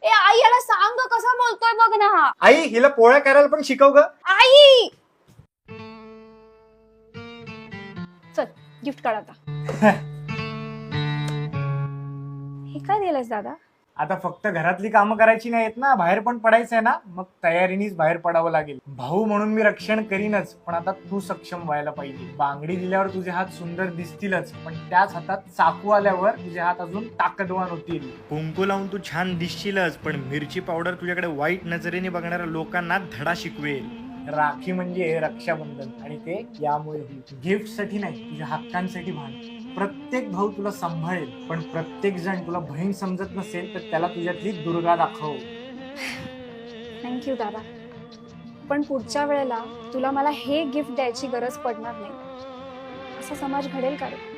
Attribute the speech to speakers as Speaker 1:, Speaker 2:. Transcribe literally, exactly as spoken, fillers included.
Speaker 1: ए आई याला सांग ग, कसा बोलतोय बघ ना हा.
Speaker 2: आई हिला पोळ्या करायला पण शिकव ग.
Speaker 1: आई चल गिफ्ट काढ आता. हे काय दिलंस दादा?
Speaker 2: आता फक्त घरातली कामं करायची नाहीत ना, बाहेर पण पडायचंय ना, मग तयारीनेच बाहेर पडावं लागेल. भाऊ म्हणून मी रक्षण करीनच, पण आता तू सक्षम व्हायला पाहिजे. बांगडी दिल्यावर तुझे हात सुंदर दिसतीलच, पण त्याच हातात चाकू आल्यावर तुझे हात अजून ताकदवान होतील. कुंकू लावून तू छान दिसशीलच, पण मिरची पावडर तुझ्याकडे वाईट नजरेने बघणाऱ्या लोकांना धडा शिकवेल. राखी म्हणजे रक्षाबंधन, आणि ते यामुळे गिफ्ट साठी नाही, तुझ्या हक्कांसाठी भान. प्रत्येक भाऊ तुला सांभाळेल, पण प्रत्येक जण तुला बहीण समजत नसेल तर त्याला तुझ्यातली दुर्गा दाखव.
Speaker 1: थँक्यू दादा, पण पुढच्या वेळेला तुला मला हे गिफ्ट द्यायची गरज पडणार नाही. असा समाज घडेल का रे?